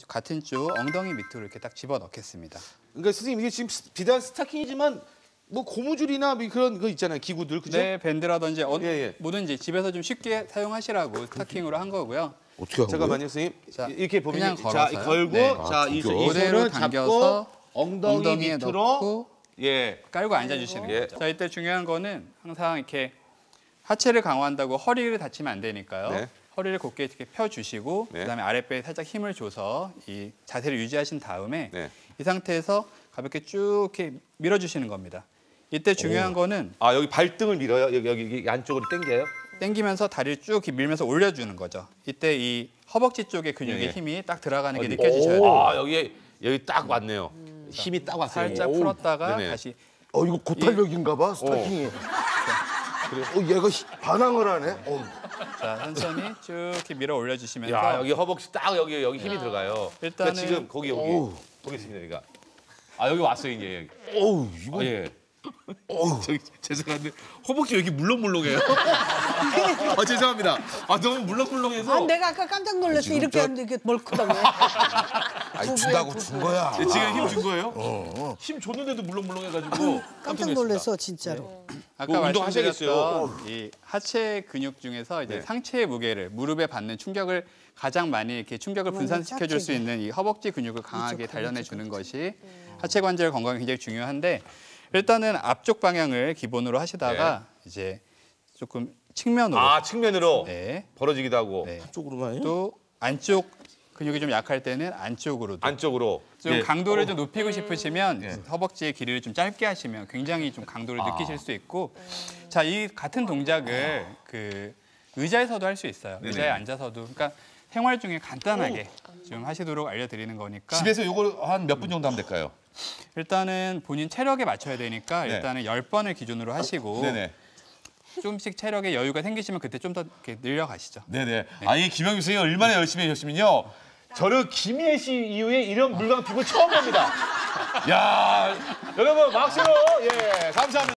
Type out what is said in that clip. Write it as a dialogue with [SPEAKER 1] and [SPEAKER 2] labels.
[SPEAKER 1] 같은 쪽 엉덩이 밑으로 이렇게 딱 집어 넣겠습니다.
[SPEAKER 2] 그러니까 선생님 이게 지금 비단 스타킹이지만 뭐 고무줄이나 뭐 그런 거 있잖아요. 기구들 그죠?
[SPEAKER 1] 네, 밴드라든지
[SPEAKER 2] 예.
[SPEAKER 1] 뭐든지 집에서 좀 쉽게 사용하시라고 스타킹으로 한 거고요.
[SPEAKER 3] 어떻게 한 거예요?
[SPEAKER 2] 잠깐만요, 선생님.
[SPEAKER 1] 자,
[SPEAKER 2] 이렇게 보면
[SPEAKER 1] 그냥
[SPEAKER 2] 자,
[SPEAKER 1] 걸어서요.
[SPEAKER 2] 걸고
[SPEAKER 1] 네.
[SPEAKER 2] 자, 이
[SPEAKER 1] 그대로
[SPEAKER 2] 손을
[SPEAKER 1] 당겨서
[SPEAKER 2] 잡고 엉덩이
[SPEAKER 1] 엉덩이에
[SPEAKER 2] 밑으로
[SPEAKER 1] 넣고
[SPEAKER 2] 예.
[SPEAKER 1] 깔고 앉아주시는
[SPEAKER 2] 예.
[SPEAKER 1] 거죠. 자, 이때 중요한 거는 항상 이렇게 하체를 강화한다고 허리를 다치면 안 되니까요.
[SPEAKER 2] 네.
[SPEAKER 1] 허리를 곧게 이렇게 펴주시고
[SPEAKER 2] 네.
[SPEAKER 1] 그다음에 아랫배에 살짝 힘을 줘서 이 자세를 유지하신 다음에
[SPEAKER 2] 네.
[SPEAKER 1] 이 상태에서 가볍게 쭉 이렇게 밀어주시는 겁니다. 이때 중요한 거는
[SPEAKER 2] 아, 여기 발등을 밀어요. 여기 안쪽으로 당겨요.
[SPEAKER 1] 당기면서 다리를 쭉 이렇게 밀면서 올려주는 거죠. 이때 이 허벅지 쪽에 근육의
[SPEAKER 2] 예.
[SPEAKER 1] 힘이 딱 들어가는 게
[SPEAKER 2] 어디?
[SPEAKER 1] 느껴지셔야 돼요.
[SPEAKER 2] 아, 여기 딱 왔네요. 힘이 딱 왔어요.
[SPEAKER 1] 살짝
[SPEAKER 2] 여기.
[SPEAKER 1] 풀었다가
[SPEAKER 2] 네네.
[SPEAKER 1] 다시
[SPEAKER 3] 이거 고탄력인가 봐, 스타킹이. 얘가 반항을 하네.
[SPEAKER 1] 자, 천천히 쭉 이렇게 밀어 올려주시면서
[SPEAKER 2] 야, 여기 허벅지 딱 여기 힘이 들어가요.
[SPEAKER 1] 일단은
[SPEAKER 2] 그러니까 지금 거기 보겠습니다. 여기가. 아, 여기 왔어요, 이제 여기.
[SPEAKER 3] 어우, 이거.
[SPEAKER 2] 예. 저기 죄송한데 허벅지 왜 이렇게 물렁물렁해요? 죄송합니다. 아, 너무 물렁물렁해서.
[SPEAKER 4] 내가 아까 깜짝 놀라서 이렇게 하는데 이게 멀크다고.
[SPEAKER 3] 아니, 주다고 준 거야.
[SPEAKER 2] 지금 힘 준 거예요? 힘 줬는데도 물렁물렁해가지고
[SPEAKER 4] 깜짝 놀랐어 진짜로.
[SPEAKER 1] 아까
[SPEAKER 2] 뭐 운동하셔야겠어요.
[SPEAKER 1] 말씀드렸던 이 하체 근육 중에서 이제
[SPEAKER 2] 네.
[SPEAKER 1] 상체의 무게를 무릎에 받는 충격을 가장 많이 이렇게 충격을 분산시켜 줄 수 있는 이 허벅지 근육을 강하게 단련해 주는 것이 하체 관절 건강에 굉장히 중요한데 일단은 앞쪽 방향을 기본으로 하시다가 이제 조금 측면으로
[SPEAKER 2] 측면으로
[SPEAKER 1] 네.
[SPEAKER 2] 벌어지기도 하고
[SPEAKER 1] 네.
[SPEAKER 3] 쪽으로만.
[SPEAKER 1] 또 안쪽 근육이 좀 약할 때는 안쪽으로도
[SPEAKER 2] 안쪽으로
[SPEAKER 1] 좀
[SPEAKER 2] 예.
[SPEAKER 1] 강도를 좀 높이고 싶으시면 허벅지의 길이를 좀 짧게 하시면 굉장히 좀 강도를 느끼실 수 있고 자, 이 같은 동작을 그 의자에서도 할 수 있어요. 의자에 앉아서도 그러니까 생활 중에 간단하게 좀 하시도록 알려드리는 거니까
[SPEAKER 2] 집에서 이걸 한 몇 분 정도 하면 될까요?
[SPEAKER 1] 일단은 본인 체력에 맞춰야 되니까
[SPEAKER 2] 네.
[SPEAKER 1] 일단은 10번을 기준으로 하시고
[SPEAKER 2] 네네.
[SPEAKER 1] 조금씩 체력에 여유가 생기시면 그때 좀 더 이렇게 늘려가시죠.
[SPEAKER 2] 네네. 아니 김영규 선생님 얼마나 열심히 하셨으면요. 저는 김희애 씨 이후에 이런 물광 피부 처음 봅니다. 야, 여러분 박수로 예 감사합니다.